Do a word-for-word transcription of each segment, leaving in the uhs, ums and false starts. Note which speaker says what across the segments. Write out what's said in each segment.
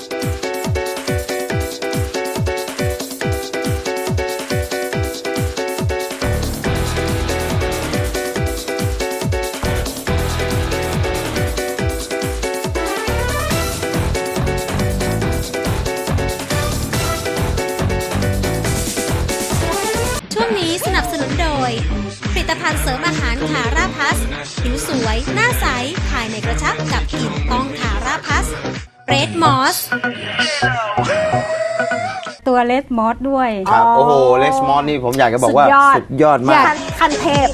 Speaker 1: สนับสนุนโดยผลิตภัณฑ์เสริมอาหารคาราพัสผิวสวยหน้าใสภายในกระชับกับกลิ่นต้องคาราพัสเรดมอส
Speaker 2: ตัวเลสมอสด้วย
Speaker 3: ครับโอ้โหเลสมอสนี่ผมอยากจะบอกว่าสุดยอดมาก
Speaker 1: คันเทพ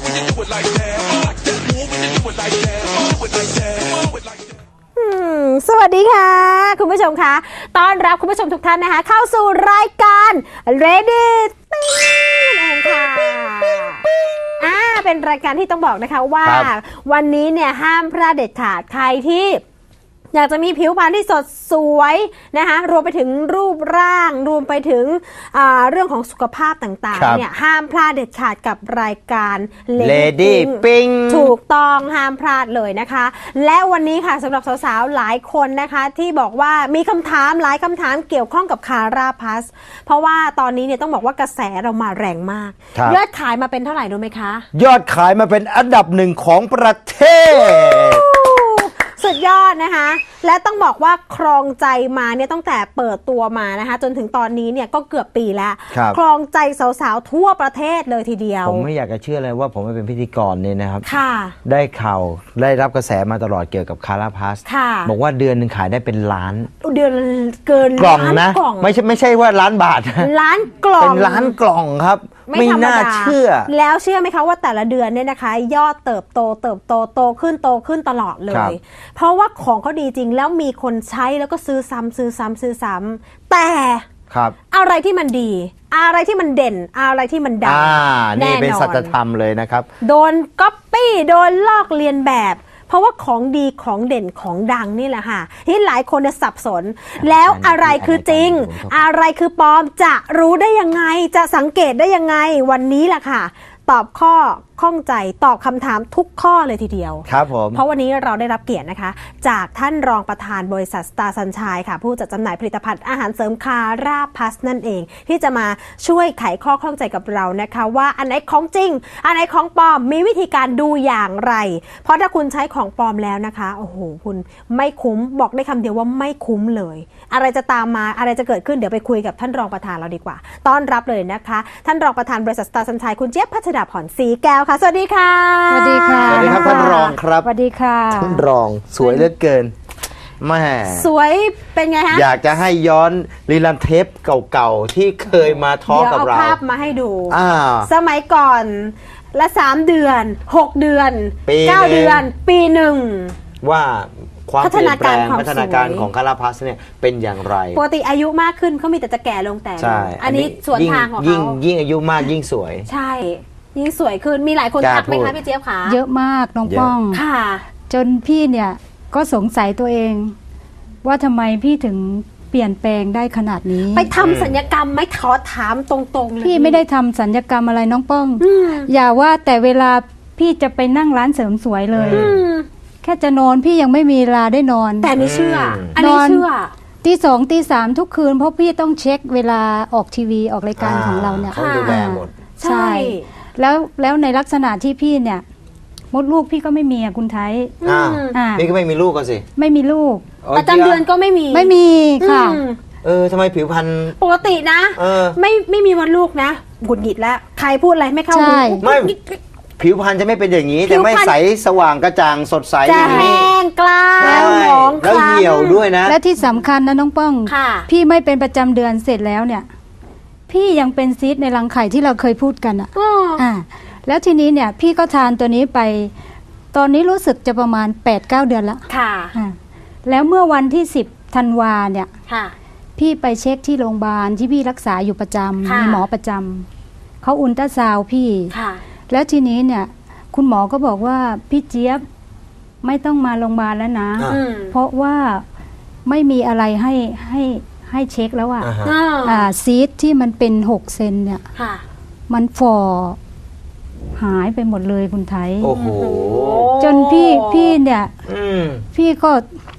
Speaker 1: สวัสดีค่ะคุณผู้ชมคะต้อนรับคุณผู้ชมทุกท่านนะคะเข้าสู่รายการ Ready ติ้งนั่นเองค่ะอ่าเป็นรายการที่ต้องบอกนะคะว่าวันนี้เนี่ยห้ามพลาดเด็ดขาดใครที่อยากจะมีผิวพรรณที่สดสวยนะคะรวมไปถึงรูปร่างรวมไปถึงเรื่องของสุขภาพต่างๆเนี่ยห้ามพลาดเด็ดขาดกับรายการ
Speaker 3: Lady Pink
Speaker 1: ถูกต้องห้ามพลาดเลยนะคะและวันนี้ค่ะสำหรับสาวๆหลายคนนะคะที่บอกว่ามีคำถามหลายคำถามเกี่ยวข้องกับคาราพัสเพราะว่าตอนนี้เนี่ยต้องบอกว่ากระแสเรามาแรงมากยอดขายมาเป็นเท่าไหร่รู้ไหมคะ
Speaker 3: ยอดขายมาเป็นอันดับหนึ่งของประเทศ
Speaker 1: สุดยอดนะคะและต้องบอกว่าครองใจมาเนี่ยตั้งแต่เปิดตัวมานะคะจนถึงตอนนี้เนี่ยก็เกือบปีแล้วครองใจสาวๆทั่วประเทศเลยทีเดียว
Speaker 3: ผมไม่อยากจะเชื่อเลยว่าผมเป็นพิธีกรเนี่ยนะครับ
Speaker 1: ค่ะ
Speaker 3: ได้ข่าวได้รับกระแสมาตลอดเกี่ยวกับคาราพัสบอกว่าเดือนหนึ่งขายได้เป็นล้าน
Speaker 1: เดือนเกิน
Speaker 3: กล่องนะไม่ใช่ไม่ใช่ว่าล้านบาท
Speaker 1: ล้านกล่อง
Speaker 3: เป็นล้านกล่องครับไม่น่าเชื่อ
Speaker 1: แล้วเชื่อไหมคะว่าแต่ละเดือนเนี่ยนะคะยอดเติบโตเติบโตโตขึ้นโตขึ้นตลอดเลยเพราะว่าของเขาดีจริงแล้วมีคนใช้แล้วก็ซื้อซ้ำซื้อซ้ำซื้อซ้ำแต่อะไรที่มันดีอะไรที่มันเด่นอะไรที่มันดัง
Speaker 3: แน่นอนนี่เป็นสัจธรรมเลยนะครับ
Speaker 1: โดนก๊อปปี้โดนลอกเลียนแบบเพราะว่าของดีของเด่นของดังนี่แหละค่ะที่หลายคนจะสับสนแล้วอะไรคือจริงอะไรคือปลอมจะรู้ได้ยังไงจะสังเกตได้ยังไงวันนี้แหละค่ะตอบข้อข้องใจตอบคำถามทุกข้อเลยทีเดียว
Speaker 3: ครับผม
Speaker 1: เพราะวันนี้เราได้รับเกียรตินะคะจากท่านรองประธานบริษัทสตาร์ซันชัยค่ะผู้จัดจำหน่ายผลิตภัณฑ์อาหารเสริมคาราพัสนั่นเองที่จะมาช่วยไขข้อข้องใจกับเรานะคะว่าอันไหนของจริงอันไหนของปลอมมีวิธีการดูอย่างไรเพราะถ้าคุณใช้ของปลอมแล้วนะคะโอ้โหคุณไม่คุ้มบอกได้คำเดียวว่าไม่คุ้มเลยอะไรจะตามมาอะไรจะเกิดขึ้นเดี๋ยวไปคุยกับท่านรองประธานเราดีกว่าต้อนรับเลยนะคะท่านรองประธานบริษัทสตาร์ซันชัยคุณเจี๊ยบพัชดาผ่อนศรีแก้วค่ะสวัสดีค่ะ
Speaker 2: สวัสดีค่ะ
Speaker 3: สวัสดีครับท่านรองครับ
Speaker 2: สวัสดีค่ะ
Speaker 3: ท่านรองสวยเหลือเกินแม่
Speaker 1: สวยเป็นไงฮะ
Speaker 3: อยากจะให้ย้อนรีลันเทปเก่าๆที่เคยมาทอล์กกับเรา
Speaker 1: เดี๋ยวเอาภาพมาให้ดู
Speaker 3: า
Speaker 1: สมัยก่อนละสามเดือนหกเดือนเก้าเดือนปีหนึ่ง
Speaker 3: ว่าความเปลี่ยนแปลงพัฒนาการของคาราพัสเนี่ยเป็นอย่างไร
Speaker 1: ปกติอายุมากขึ้นเขามีแต่จะแก่ลงแต่อันนี้ส่วนทางของเขา
Speaker 3: ยิ่งยิ่งอายุมากยิ่งสวย
Speaker 1: ใช่ยิ่งสวยขึ้นมีหลายคนทักไหมคะพี่เจี๊ยบคะ
Speaker 2: เยอะมากน้องป้อง
Speaker 1: ค่ะ
Speaker 2: จนพี่เนี่ยก็สงสัยตัวเองว่าทำไมพี่ถึงเปลี่ยนแปลงได้ขนาดนี้
Speaker 1: ไปทำศัลยกรรมไม่ขอถามตรงๆเลย
Speaker 2: พี่ไม่ได้ทำศัลยกรรมอะไรน้องป้องอย่าว่าแต่เวลาพี่จะไปนั่งร้านเสริมสวยเลยแค่จะนอนพี่ยังไม่มีเวลาได้นอน
Speaker 1: แต่นี่เชื่ออันนี้เชื่อ
Speaker 2: ตีสองตีสามทุกคืนเพราะพี่ต้องเช็คเวลาออกทีวีออกรายการของเราเนี่ย
Speaker 3: ต้องดูแลหมด
Speaker 2: ใช่แล้วแล้วในลักษณะที่พี่เนี่ยมดลูกพี่ก็ไม่มีอ่ะคุณไทย
Speaker 3: อ่าพี่ก็ไม่มีลูกก็สิ
Speaker 2: ไม่มีลูก
Speaker 1: ประจำเดือนก็ไม่มี
Speaker 2: ไม่มีค่ะ
Speaker 3: เออทำไมผิวพรรณ
Speaker 1: ปกตินะไม่ไม่มีวันลูกนะหงุดหงิดแล้วใครพูดอะไรไม่เข้าหู
Speaker 3: ไม่ผิวพรรณจะไม่เป็นอย่างนี้จะไม่ใสสว่างกระจ่างสดใส
Speaker 1: อย่างนี้จะแห้งกล้าแล้วหมอง
Speaker 3: แล้วเหี่ยวด้วยนะ
Speaker 2: และที่สำคัญนะน้องป้องพี่ไม่เป็นประจำเดือนเสร็จแล้วเนี่ยพี่ยังเป็นซีสต์ในรังไข่ที่เราเคยพูดกันอ่ะอ่าแล้วทีนี้เนี่ยพี่ก็ทานตัวนี้ไปตอนนี้รู้สึกจะประมาณ แปดเก้า เดือนแล้ว
Speaker 1: ค่ะ
Speaker 2: แล้วเมื่อวันที่สิบธันวาเนี่ย
Speaker 1: ค่ะ
Speaker 2: พี่ไปเช็คที่โรงพยาบาลที่พี่รักษาอยู่ประจำมีหมอประจำเขาอุลตราซาวด์พี่
Speaker 1: ค่ะ
Speaker 2: แล้วทีนี้เนี่ยคุณหมอก็บอกว่าพี่เจี๊ยบไม่ต้องมาโรงพยาบาลแล้วนะเพราะว่าไม่มีอะไรให้ให้ให้เช็คแล้วอ่ะซีสที่มันเป็นหกเซนเนี่ยมันฝ่อหายไปหมดเลยคุณไทย
Speaker 3: โอ้โห
Speaker 2: จนพี่พี่เนี่ยพี่ก็
Speaker 1: แป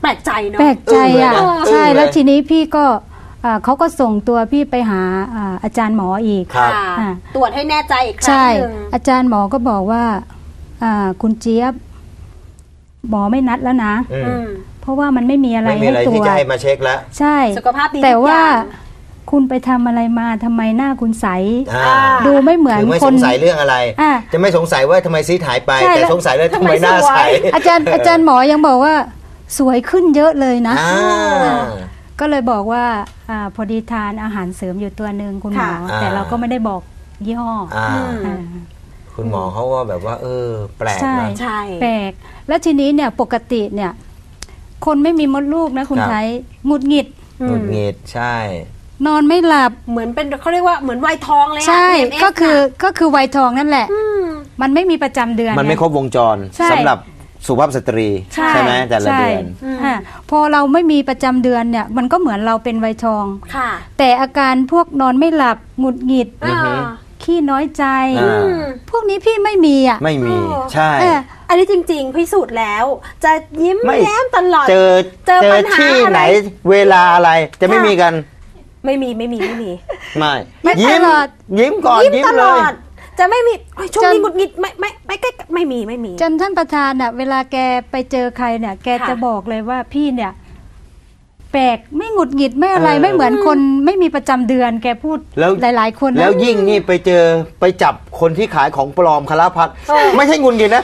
Speaker 1: ลกใจเนาะ
Speaker 2: แปลกใจอ่ะ
Speaker 3: เออเลยนะ
Speaker 2: ใช่
Speaker 3: เออเลย
Speaker 2: แล้วทีนี้พี่ก็อ่าเขาก็ส่งตัวพี่ไปหาอ่าอาจารย์หมออีก
Speaker 3: ครับ
Speaker 1: ค่ะ
Speaker 2: อ่า
Speaker 1: ตรวจให้แน่ใจอีกครั้ง
Speaker 2: ใช่
Speaker 1: หนึ่ง
Speaker 2: อาจารย์หมอก็บอกว่าอ่าคุณเจี๊ยบหมอไม่นัดแล้วนะ
Speaker 3: อืม
Speaker 1: อืม
Speaker 2: เพราะว่ามันไม่มีอะไร
Speaker 3: ไม่มี
Speaker 2: ให้
Speaker 3: อะไร
Speaker 2: ตร
Speaker 3: ที่
Speaker 2: ว
Speaker 3: จะ
Speaker 2: จ
Speaker 3: ให้มาเช็คแล้ว
Speaker 2: ใช่
Speaker 1: สุขภาพดี
Speaker 2: แต่
Speaker 1: ทุก
Speaker 2: ว่า
Speaker 1: อย่าง
Speaker 2: คุณไปทำอะไรมาทำไมหน้าคุณใส
Speaker 3: อ่า
Speaker 2: ดูไม่เหมือน
Speaker 3: คือไม่
Speaker 2: ค
Speaker 3: ส
Speaker 2: น
Speaker 3: งสัยเรื่องอะไร
Speaker 2: อ่า
Speaker 3: จะไม่สงสัยว่าทำไมซีดหายไป
Speaker 2: ใช่
Speaker 3: แต่
Speaker 2: แล้ว
Speaker 3: สงสัยเลยทำไมหน้าใส
Speaker 2: อาจารย์อาจารย์หมอยังบอกว่าสวยขึ้นเยอะเลยนะ
Speaker 3: อ่า
Speaker 2: ก็เลยบอกว่าอาพอดีทานอาหารเสริมอยู่ตัวหนึ่งคุณหมอ
Speaker 3: ค่ะ
Speaker 2: แต่เราก็ไม่ได้บอกยี่ห้อ
Speaker 3: อ่า
Speaker 1: อืม
Speaker 2: อ่า
Speaker 3: คุณหมอเขาก็แบบว่า เออ แปลก
Speaker 2: ใช่
Speaker 3: นะ
Speaker 1: ใช่
Speaker 2: แปลกแล้วทีนี้เนี่ยปกติเนี่ยคนไม่มีมดลูกนะคุณ
Speaker 3: ครับ
Speaker 2: ไทยหงุดหงิด
Speaker 3: หงุดหงิดใช่
Speaker 2: นอนไม่หลับ
Speaker 1: เหมือนเป็นเขาเรียกว่าเหมือนวัยทองเลยอะ
Speaker 2: ใช่
Speaker 1: พี เอ็มเอส
Speaker 2: ก็คือ
Speaker 1: น่ะ
Speaker 2: ก็คือวัยทองนั่นแหละ
Speaker 1: ม
Speaker 2: มันไม่มีประจำเดือน
Speaker 3: มันไม่
Speaker 2: ง
Speaker 3: ครบวงจร
Speaker 2: ใช่
Speaker 3: สำหรับสุภาพสตรี
Speaker 2: ใช่
Speaker 3: ไหมแต่ละ
Speaker 2: ใช่
Speaker 3: เดือน
Speaker 1: อืม
Speaker 2: อ่าพอเราไม่มีประจำเดือนเนี่ยมันก็เหมือนเราเป็นวัยทอง
Speaker 1: ค่ะ
Speaker 2: แต่อาการพวกนอนไม่หลับหงุดหงิด
Speaker 3: อือฮึ
Speaker 1: อ่า
Speaker 2: ขี้น้อยใจ
Speaker 3: อ่า
Speaker 2: พวกนี้พี่ไม่มีอ่ะ
Speaker 3: ไม่มี
Speaker 1: โอ้
Speaker 3: ใช่
Speaker 2: เออ
Speaker 1: อันนี้จริง ๆ พิสูจน์แล้ว จะยิ้ม
Speaker 3: ไม่
Speaker 1: แย้มตลอด
Speaker 3: เจอ
Speaker 1: เจอปัญหา
Speaker 3: ที่
Speaker 1: อะไร
Speaker 3: ไหนเวลาอะไรจะไม่
Speaker 1: ค่ะ
Speaker 3: มีกัน
Speaker 1: ไม่มีไม่มีไม่มี
Speaker 3: ไม่
Speaker 2: ไม่
Speaker 3: ยิ้
Speaker 2: ต
Speaker 3: ม
Speaker 2: ลอด
Speaker 3: ยิ้มก่อน
Speaker 1: ยิ้ม
Speaker 3: ยิ้ม
Speaker 1: ต
Speaker 3: เล
Speaker 1: ลอย ด จะไม่มีเฮ้ยช่วงนี้
Speaker 2: จน
Speaker 1: หงุดหงิดไม่ไม่ไม่ใกล้ไม่มีไม่มี
Speaker 2: จนท่านประธานอ่ะเวลาแกไปเจอใครเนี่ย แก
Speaker 1: ค่ะ
Speaker 2: จะบอกเลยว่าพี่เนี่ย แปลกไม่หงุดหงิดไม่อะไร
Speaker 3: เออ
Speaker 2: ไม่เหมือนคนไม่มีประจำเดือน แกพูด
Speaker 3: แล้ว
Speaker 2: หลาย ๆ คนนะ
Speaker 3: แล้วยิ่งนี่ไปเจอไปจับคนที่ขายของปลอมคาราพัดไม่ใช่งุนงิดนะ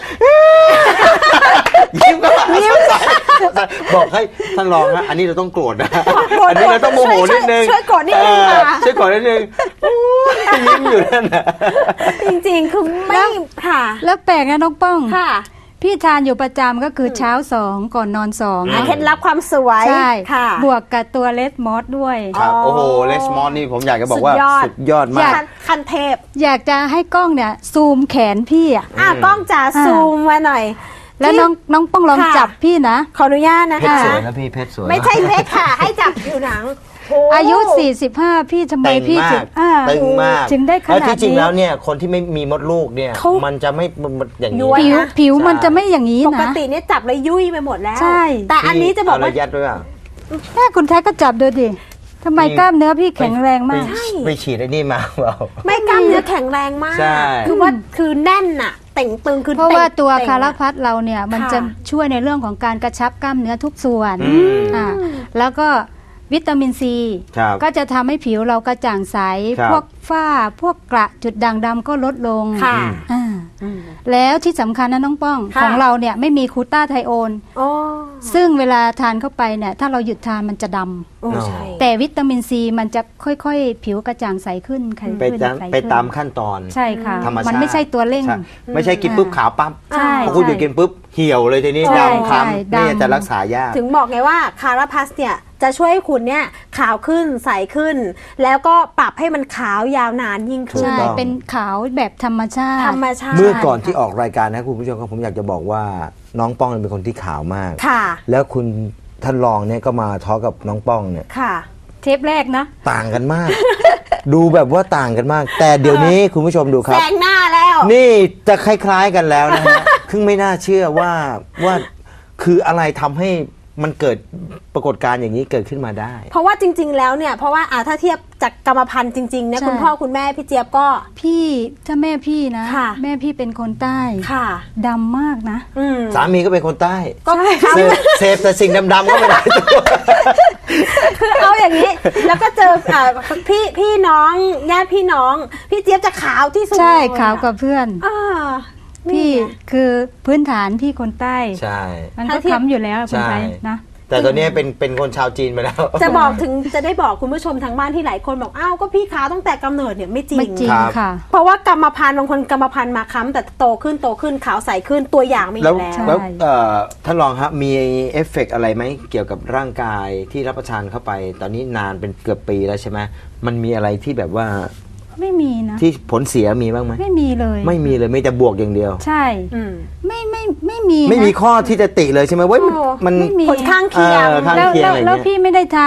Speaker 3: ยิ้มก็ยิ้มบอกให้ท่านรองฮะอันนี้เราต้องโกรธนะอันนี้เราต้องโมโหนิดนึง
Speaker 1: ช่วยกดนิดนึง
Speaker 3: เออ
Speaker 1: ค่ะ
Speaker 3: ช่วยโกรธนิดนึงโอ้ยยิ้มอยู่นั่นนะ
Speaker 1: จริงๆ คือไม่ค่ะ
Speaker 2: แล้วแปลกนะน้องป้อง
Speaker 1: ค่ะ
Speaker 2: พี่ทานอยู่ประจำก็คือเช้าสองก่อนนอนสอง
Speaker 3: อืม
Speaker 1: เคล็ดลับความสวย
Speaker 2: ใช่
Speaker 1: ค่ะ
Speaker 2: บวกกับตัวเลสมอสด้วย
Speaker 3: ครับ
Speaker 1: อ๋อ
Speaker 3: โอ้โหเลสมอนนี่ผมอยากจะบอกว่า
Speaker 1: สุดยอด
Speaker 3: สุดยอดมาก
Speaker 1: คันคันเทพ
Speaker 2: อยากจะให้กล้องเนี่ย ซูมแขนพี่อ่ะ
Speaker 1: อ่ะ
Speaker 3: อืม
Speaker 1: กล้องจ๋า
Speaker 2: อ่า
Speaker 1: ซูมมาหน่อย
Speaker 2: แล้ว
Speaker 1: ที่
Speaker 2: น้องน้องป้องลอง
Speaker 1: ค่ะ
Speaker 2: จับพี่นะ
Speaker 1: ขออนุญาตนะ
Speaker 3: เพชร
Speaker 1: คะ
Speaker 3: สวยนะพี่เพชรสวย
Speaker 1: ไม่ใช่เพชรค่ะ ให้จับผิวหนังโ
Speaker 2: อายุ สี่สิบห้า พี่ทำไม
Speaker 3: ตึง
Speaker 2: พี่
Speaker 3: มา
Speaker 2: ถึ
Speaker 3: ก
Speaker 2: งอ่า
Speaker 3: ตึงมาก
Speaker 2: ถึงได้ข
Speaker 3: แล้ว
Speaker 2: นาด
Speaker 3: ที่จริง
Speaker 2: นี้
Speaker 3: แล้วเนี่ยคนที่ไม่มีมดลูกเนี่ย
Speaker 1: เขา
Speaker 3: มันจะไม่มันอย่างนี้
Speaker 1: ย้วย
Speaker 2: ผิว
Speaker 1: นะ
Speaker 2: ผิว
Speaker 3: ใช่
Speaker 2: มันจะไม่อย่างนี้
Speaker 1: ปก
Speaker 2: นะ
Speaker 1: ติเนี่ยจับเลยยุ่ยไปหมดแล้ว
Speaker 2: ใช่
Speaker 1: แต่อันนี้จะบอกว่า
Speaker 3: เระยัดด้วยอ่ะ
Speaker 2: แค่คุณแท้ก็จับดูดิทำไมกล้ามเนื้อพี่แข็งแรงมาก
Speaker 3: ไปไปฉีดไอ้นี่มาเปล่า
Speaker 1: ไม่กล้ามเนื้อแข็งแรงมาก
Speaker 3: ใช่
Speaker 1: คือว่าคือแน่นอะเต่งตึงคือ
Speaker 2: เพราะว่า
Speaker 1: ต่ง
Speaker 2: ตัว
Speaker 1: เต่ง
Speaker 2: คารา
Speaker 1: อะ
Speaker 2: พัดเราเนี่ยมัน
Speaker 1: ค่ะ
Speaker 2: จะช่วยในเรื่องของการกระชับกล้ามเนื้อทุกส่วน
Speaker 3: อืม
Speaker 2: อ่าแล้วก็วิตามินซี
Speaker 3: ครับ
Speaker 2: ก็จะทำให้ผิวเรากระจ่างใส
Speaker 3: ครับ
Speaker 2: พวกฝ้าพวกกระจุดด่างดำก็ลดลง
Speaker 1: ค่ะ
Speaker 2: อ่า
Speaker 1: อืม
Speaker 2: แล้วที่สำคัญนะน้องป้อง
Speaker 1: ค่ะ
Speaker 2: ของเราเนี่ยไม่มีคูต้าไทโอน
Speaker 1: โอ้
Speaker 2: ซึ่งเวลาทานเข้าไปเนี่ยถ้าเราหยุดทานมันจะดำ
Speaker 1: โอ้ใช่
Speaker 2: แต่วิตามินซีมันจะค่อยๆ ผิวกระจ่างใสขึ้นใคร
Speaker 3: ไป
Speaker 2: ขึ้น
Speaker 3: ตาม
Speaker 2: ใสขึ้น
Speaker 3: ไปตามขั้นตอน
Speaker 2: ใช่ค่ะ
Speaker 3: ธรรมชาติ
Speaker 2: มันไม่ใช่ตัวเร่ง
Speaker 3: ใช่ไม่ใช่กินปุ๊บขาวปั๊บ
Speaker 2: ใช่
Speaker 3: พอคุณหยุดกินปุ๊บเหี่ยวเลยทีนี้
Speaker 2: ใช่
Speaker 3: ดำคล้
Speaker 2: ใช่
Speaker 3: ำนี่
Speaker 2: ดำ
Speaker 3: จะรักษายาก
Speaker 1: ถึงบอกไงว่าคาราพัสเนี่ยจะช่วยให้คุณเนี่ยขาวขึ้นใสขึ้น แล้วก็ปรับให้มันขาวยาวนานยิ่งขึ้น
Speaker 2: ใช่
Speaker 3: ถูกต้อง
Speaker 2: เป็นขาวแบบธรรมชาติ
Speaker 1: ธรรมชาติ
Speaker 3: เมื่อก่อนที่ออกรายการนะคุณผู้ชมครับผมอยากจะบอกว่าน้องป้องเป็นคนที่ขาวมาก
Speaker 1: ค่ะ
Speaker 3: แล้วคุณท่านรองเนี่ยก็มาทอล์กกับน้องป้องเนี่ย
Speaker 1: ค่ะ
Speaker 2: เทปแรกนะ
Speaker 3: ต่างกันมาก ดูแบบว่าต่างกันมาก แต่เดี๋ยวนี้คุณผู้ชมดูค
Speaker 1: แซ
Speaker 3: รับ
Speaker 1: งหน้าแล้ว
Speaker 3: นี่จะคล้ายๆกันแล้วนะฮะ คือไม่น่าเชื่อว่าว่าคืออะไรทำให้มันเกิดปรากฏการณ์อย่างนี้เกิดขึ้นมาได้
Speaker 1: เพราะว่าจริง ๆ แล้วเนี่ยเพราะว่าอ่าถ้าเทียบจากกรรมพันธุ์จริงๆเนี่ย
Speaker 2: ใช่
Speaker 1: คุณพ่อคุณแม่พี่เจี๊ยบก็
Speaker 2: พี่ถ้าแม่พี่นะ
Speaker 1: ค่ะ
Speaker 2: แม่พี่เป็นคนใต้
Speaker 1: ค่ะ
Speaker 2: ดำมากนะ
Speaker 1: อืม
Speaker 3: สามีก็เป็นคนใต้
Speaker 1: ก็
Speaker 3: เสพเสพแต่สิ่งดำๆก็ไม่ได้ตัว
Speaker 1: คือเอาอย่างนี้ แล้วก็เจออ่าพี่พี่น้องญาติพี่น้อง พี่เจี๊ยบจะขาวที่สุด
Speaker 2: ใช่
Speaker 1: เลย
Speaker 2: ขาวกว่าเพื่อน
Speaker 1: อ่า
Speaker 2: พี่
Speaker 1: นี่ไง
Speaker 2: คือพื้นฐานพี่คนใต้
Speaker 3: ใช่
Speaker 2: มันก็
Speaker 1: ถ้าเทียบ
Speaker 2: ค้ำอยู่แล้วคุณ
Speaker 3: ใช่
Speaker 2: ไทยนะ
Speaker 3: แต่ตอนนี้เป็นเป็นคนชาวจีนไปแล้ว
Speaker 1: จะบอกถึงจะได้บอกคุณผู้ชมทางบ้านที่หลายคนบอกอ้าวก็พี่ขาวตั้งแต่กำเนิดเนี่ยไม่จริ
Speaker 2: ไม่
Speaker 1: ง
Speaker 2: จริง
Speaker 3: ครับ
Speaker 2: ค่ะ
Speaker 1: เพราะว่ากรรมพันธุ์บางคนกรรมพันธุ์มาค้ำแต่โตขึ้นโตขึ้นขาวใสขึ้นตัวอย่างมีอ
Speaker 3: แล้ว
Speaker 1: ยู่แล้ว
Speaker 2: ใช่
Speaker 3: แล้วเอ่อท่านรองครับมีเอฟเฟกต์อะไรไหมเกี่ยวกับร่างกายที่รับประทานเข้าไป ตอนนี้นานเป็นเกือบปีแล้วใช่ไหมมันมีอะไรที่แบบว่า
Speaker 2: ไม่มีนะ
Speaker 3: ที่ผลเสียมีบ้างไหม
Speaker 2: ไม่มีเลย
Speaker 3: ไม่มีเลยมีแต่บวกอย่างเดียว
Speaker 2: ใช่
Speaker 1: อืม
Speaker 2: ไม่ไม่ไม่มีนะ
Speaker 3: ไม่มีข้อที่จะติเลยใช่ไหมเว้ยมัน
Speaker 1: โอ้
Speaker 3: มัน
Speaker 2: ไม่มี
Speaker 1: ผลข้างเคียง
Speaker 3: เออข้าง
Speaker 2: แล้ว
Speaker 3: เคียง
Speaker 2: แล้ว
Speaker 3: อะไร
Speaker 2: แล้ว
Speaker 3: เงี้ย
Speaker 2: พี่ไม่ได้ทาน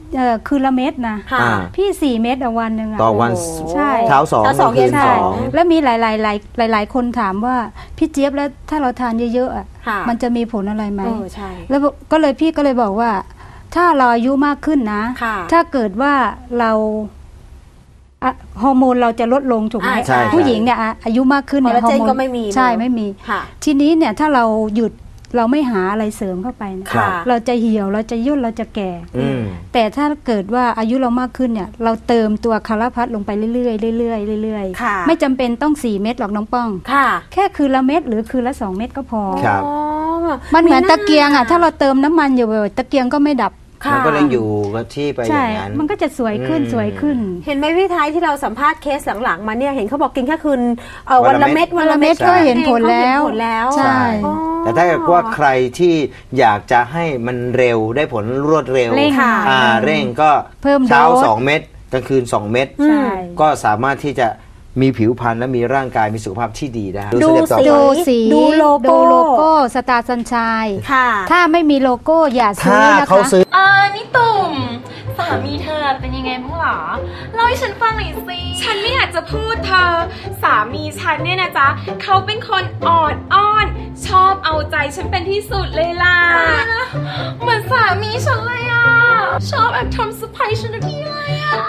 Speaker 2: เอ่อคืนละเม็ดนะ
Speaker 1: ค่ะ
Speaker 3: อ่า
Speaker 2: พี่สี่เม็ดต่อวันหนึ่งอะ
Speaker 3: ต่อวัน
Speaker 1: โอ้โห
Speaker 2: ใช่
Speaker 3: เช้าสอง
Speaker 1: เช้าสอง
Speaker 3: กลางคืน
Speaker 1: เย็น
Speaker 3: ส
Speaker 1: ส
Speaker 3: อ
Speaker 1: อง ง
Speaker 2: แล้วมีหลายหลายหลายหลายหลายคนถามว่าพี่เจี๊ยบแล้วถ้าเราทานเยอะๆอะ
Speaker 1: ค่ะ
Speaker 2: มันจะมีผลอะไรไหม
Speaker 1: เออใช่
Speaker 2: แล้วก็เลยพี่ก็เลยบอกว่า ถ้าเราอายุมากขึ้นนะ
Speaker 1: ค่ะ
Speaker 2: ถ้าเกิดว่าเราอะฮอร์โมนเราจะลดลงถูกไหม
Speaker 1: อ่าใช่
Speaker 2: ผู้หญิงเนี่ยอะอายุมากขึ้นเนี่ย
Speaker 1: คอลลาเจน
Speaker 2: ฮอร์โน
Speaker 1: ก็ไม่มี
Speaker 2: ใช่
Speaker 1: เนอะ
Speaker 2: ไม่มี
Speaker 1: ค่ะ
Speaker 2: ทีนี้เนี่ยถ้าเราหยุดเราไม่หาอะไรเสริมเข้าไปเนี่ย
Speaker 1: ค่ะ
Speaker 2: เราจะเหี่ยวเราจะย่นเราจะแก่
Speaker 3: อืม
Speaker 2: แต่ถ้าเกิดว่าอายุเรามากขึ้นเนี่ย เราเติมตัวคาราพัสลงไปเรื่อยๆเรื่อยๆเรื่อย
Speaker 1: ค่ะ
Speaker 2: ๆไม่จำเป็นต้องสี่เม็ดหรอกน้องป้อง
Speaker 1: ค่ะ
Speaker 2: แค่คืนละเม็ดหรือคืนละสองเม็ดก็พอ
Speaker 3: ครับ
Speaker 1: อ๋อ
Speaker 2: มันเหมือนตะเกียงอ่ะถ้าเราเติมน้ำมันอยู่บ่อยๆตะเกียงก็ไม่ดับ
Speaker 1: ค่ะ
Speaker 3: มันก็เลยอยู่กับที่ไปอ
Speaker 2: ใช่
Speaker 3: ย่างนั้น
Speaker 2: มันก็จะสวยขึ้น
Speaker 3: อืม
Speaker 2: สวยขึ้น
Speaker 1: เห็นไหมพี่ไทยที่เราสัมภาษณ์เคสหลังๆมาเนี่ยเห็นเขาบอกกินแค่คืนเอ่อ
Speaker 3: วั
Speaker 1: วัน น
Speaker 3: ละ
Speaker 1: ละ
Speaker 3: เม็
Speaker 1: เม็
Speaker 3: ด
Speaker 1: ด
Speaker 2: วันละเม็ด
Speaker 1: อง
Speaker 2: ก็เห็นผลแล้ว
Speaker 1: เขาเห็นผลแล้ว
Speaker 2: ใช่
Speaker 1: อ๋อ
Speaker 3: แต่ถ้าเกิดว่าใครที่อยากจะให้มันเร็วได้ผลรวดเร็ว
Speaker 2: เร่ง
Speaker 1: ค่ะ
Speaker 3: อ่าเร่งก็
Speaker 2: เพิ่ม
Speaker 3: เช้า
Speaker 2: โดส
Speaker 3: สองเม็ดกลางคืนสองเม็ด
Speaker 2: ใช่
Speaker 3: ก็สามารถที่จะมีผิวพรรณและมีร่างกายมีสุขภาพที่ดีได้
Speaker 1: ดู
Speaker 3: สเต็ปต่อ
Speaker 1: สิ
Speaker 3: ไป
Speaker 2: ดูสี
Speaker 1: ดูโลโก้
Speaker 2: ดูโลโก้สตาร์สัญชัย
Speaker 1: ค่ะ
Speaker 2: ถ้าไม่มีโลโก้อย่าซื้
Speaker 3: ถ้า
Speaker 2: อนะคะ
Speaker 3: เขาซื้อ
Speaker 4: อ่านี่ตุ่มสามีเธอเป็นยังไงบ้างหรอเล่าให้ฉันฟังหน่อยสิ
Speaker 5: ฉันไม่อยากจะพูดเธอ สามีฉันเนี่ยนะจ๊ะเขาเป็นคนอ่อนอ้อน ชอบเอาใจฉันเป็นที่สุดเลยล่ะ
Speaker 4: เหมือนสามีฉันเลยอ่ะ ชอบแอบทำเซอร์ไพรส์ฉันทุกทีเลยอ่ะ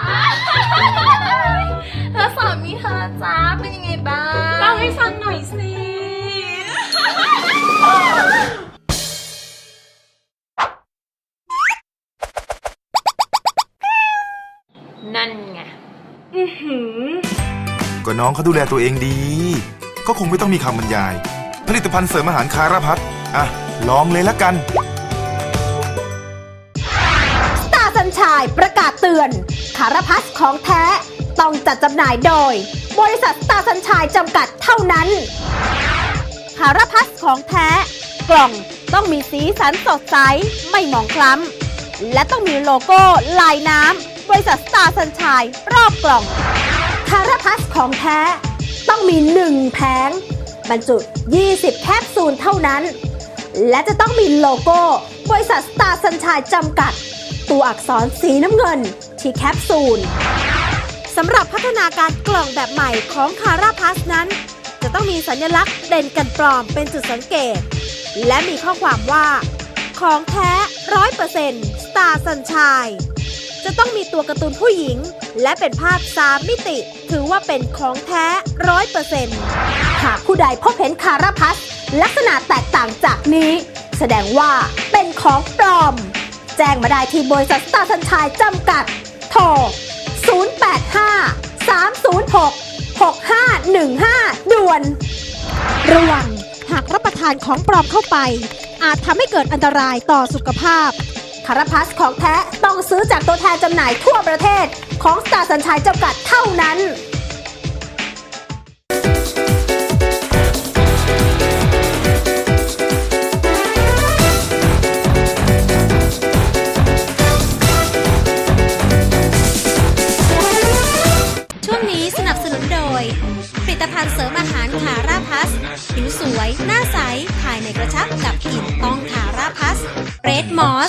Speaker 4: แล้วสามีเธอจ้าเป็นยังไงบ้าง
Speaker 5: เล่าให้ฟังหน่อยสิ
Speaker 4: นั่นไง
Speaker 5: อื้อหือ
Speaker 6: ก็น้องเขาดูแลตัวเองดี ก็คงไม่ต้องมีคำบรรยาย ผลิตภัณฑ์เสริมอาหารคาราพัทอ่ะ ลองเลยละกัน
Speaker 1: สตาร์สัญชัยประกาศเตือนคาราพัสของแท้ต้องจัดจำหน่ายโดย บริษัทสตาร์สัญชัยจำกัดเท่านั้นคาราพัสของแท้ กล่องต้องมีสีสันสดใสไม่หมองคล้ำและต้องมีโลโก้ลายน้ำบริษัทสตาร์สัญชัยรอบกล่องคาราพัสของแท้ต้องมีหนึ่งแผงบรรจุยี่สิบแคปซูลเท่านั้น และจะต้องมีโลโก้บริษัทสตาร์สัญชัยจำกัด ตัวอักษรสีน้ำเงินที่แคปซูลสำหรับพัฒนาการกล่องแบบใหม่ของคาราพัสนั้น จะต้องมีสัญลักษณ์เด่นกันปลอมเป็นจุดสังเกต และมีข้อความว่า ของแท้ ร้อยเปอร์เซ็นต์ สตาร์สัญชัยจะต้องมีตัวการ์ตูนผู้หญิง และเป็นภาพสามมิติ ถือว่าเป็นของแท้ ร้อยเปอร์เซ็นต์ หากผู้ใดพบเห็นคาราพัสลักษณะแตกต่างจากนี้ แสดงว่าเป็นของปลอม แจ้งมาได้ที่บริษัทสตาร์สัญชัยจำกัด โทร ศูนย์ แปด ห้า สาม ศูนย์ หก หก ห้า หนึ่ง ห้า ด่วน ระวังหากรับประทานของปลอมเข้าไป อาจทำให้เกิดอันตรายต่อสุขภาพ คาราพัสของแท้ต้องซื้อจากตัวแทนจำหน่ายทั่วประเทศของสตาร์สัญชัยจำกัดเท่านั้น
Speaker 7: ช่วงนี้สนับสนุนโดย ผลิตภัณฑ์เสริมอาหารคาราพัส ผิวสวย หน้าใส ภายในกระชับกับกลิ่นต้องคาราพัสเรดมอส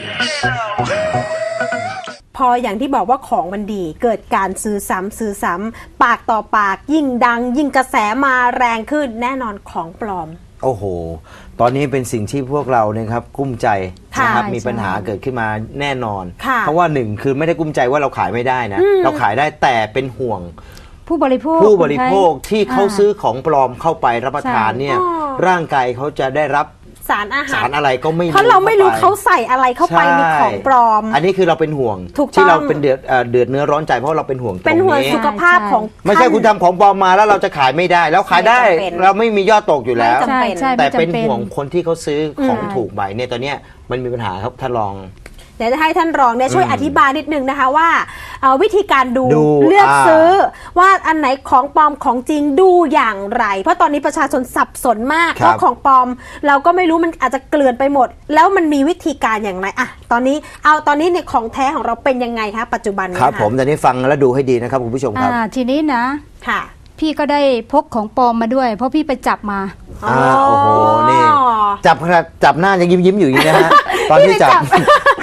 Speaker 1: พออย่างที่บอกว่าของมันดีเกิดการซื้อซ้ำซื้อซ้ำปากต่อปากยิ่งดัง ยิ่งกระแสมาแรงขึ้นแน่นอนของปลอม
Speaker 3: โอ้โห ตอนนี้เป็นสิ่งที่พวกเราเนี่ยครับกุ้มใจ
Speaker 1: ค่ะ
Speaker 3: นะครับ
Speaker 2: ใช่
Speaker 3: มีปัญหา
Speaker 2: ใช่
Speaker 3: เกิดขึ้นมาแน่นอน
Speaker 1: ค่ะ
Speaker 3: เพราะว่าหนึ่งคือไม่ได้กุ้มใจว่าเราขายไม่ได้นะ เราขายได้แต่เป็นห่วง
Speaker 2: ผู้บริโภค
Speaker 3: ผู้บริโภคที่เขา
Speaker 2: า
Speaker 3: ซื้อของปลอมเข้าไปรับประทาน
Speaker 2: ใช่
Speaker 3: เนี่ย
Speaker 1: อ๋อ
Speaker 3: ร่างกายเขาจะได้รับ
Speaker 1: สารอาหาร
Speaker 3: สารอะไรก็ไม่
Speaker 1: เพราะเราไม่รู้
Speaker 3: ข้ป
Speaker 1: เขาใส่อะไรเข้าไปในของปลอม
Speaker 3: อันนี้คือเราเป็นห่วง
Speaker 1: ถูกต้อง
Speaker 3: ที่เราเป็นเดือดเอ่อเดือดเนื้อร้อนใจเพราะเราเป็นห่วงตรง
Speaker 1: เป็นห่วง
Speaker 3: นี้
Speaker 1: สุขภาพของ
Speaker 3: ไม่ใช่
Speaker 1: ท่าน
Speaker 3: คุณทำของปลอมมาแล้วเราจะขายไม่ได้ แล้วขายได้
Speaker 1: ไม่จำเป็น
Speaker 3: เราไม่มียอดตกอยู่แล้ว
Speaker 1: ไม่จำ
Speaker 2: ใช่ใช่
Speaker 3: แต่
Speaker 2: ไม่จำ
Speaker 3: เป็นห่วงคนที่เขาซื้อของ
Speaker 1: อืม
Speaker 3: ถูกใบเนี่ยตอนเนี้ยมันมีปัญหาครับท่านรอง
Speaker 1: เดี๋ยวจะให้ท่านรองเนี่ยช่วย
Speaker 3: อืม
Speaker 1: อธิบายนิดนึงนะคะว่าเอ่อวิธีการดู
Speaker 3: ดู
Speaker 1: เลือก
Speaker 3: อ่า
Speaker 1: ซื้อว่าอันไหนของปลอมของจริงดูอย่างไร เพราะตอนนี้ประชาชนสับสนมากเพราะของปลอม เราก็ไม่รู้มันอาจจะเกลื่อนไปหมด แล้วมันมีวิธีการอย่างไรอะตอนนี้เอาตอนนี้เนี่ยของแท้ของเราเป็นยังไงคะปัจจุบันนี้
Speaker 3: ครับ
Speaker 1: ะ
Speaker 3: ผมตอนนี้ฟังแล้วดูให้ดีนะครับคุณผู้ชมครับ
Speaker 2: อ่าทีนี้นะ
Speaker 1: ค่ะ
Speaker 2: พี่ก็ได้พกของปลอมมาด้วย เพราะพี่ไปจับมา
Speaker 3: อ่าโอ้โหนี่ จับขนาดจับหน้ายังยิ้มยิ้มๆอยู่อย่างนี้นะฮะ ตอนที่จับ